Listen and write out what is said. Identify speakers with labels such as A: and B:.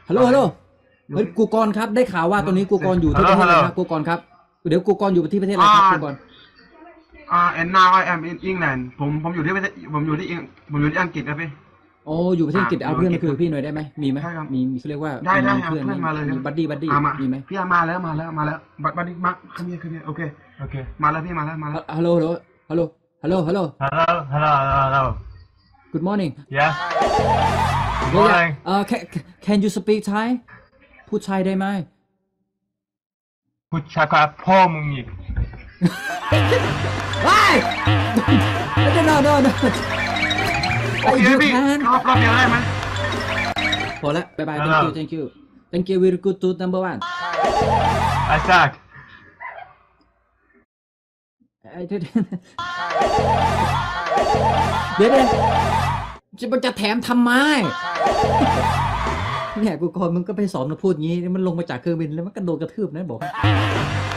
A: ฮัลโหลฮัลโหลเฮ้ยกูกรครับได้ข่าวว่าตอนนี้กูกรอยู่ที่ประเทศอะไรครับกูกรครับเดี๋ยวกูกรอยู่ที่ประเทศอะไรครับกูกร
B: and now I am in England ผมอยู่ที่ประเทศผมอยู่ที่อังกฤษครับพี่
A: โอ้อยู่ประเทศอังกฤษเอาเพื่อนมาคุยกับพี่หน่อยได้ไหมมีไหมมีเขาเรียกว่า
B: ได้
A: มีเพื่อน
B: มาเลย
A: มีบัดดี้มีไหม
B: พี่มาแล้วบัดดี้มาขึ้นเนี่ยโอเคมาแล้วพี่มาแล้ว
A: ฮัลโหลฮัลโหลฮัลโหลฮัลโหล
C: Hello.
A: Good morning
C: Yeah. Good morning.
A: Can you speak Thai พูดไทยได้ไหม
C: พูดช้ากว่าพ่อมึงอีก
A: ว้ายno
B: โอเคพี่รอบเดียวได้ไหม
A: พอแล้วบายบาย thank you very good to number one
C: I suck.
A: เดี๋ยวจะแถมทำไมเนี่ยกูก่อนมึงก็ไปสอนมาพูดงี้มันลงมาจากเครื่องบินแล้วมันกระโดดกระทืบนะบอก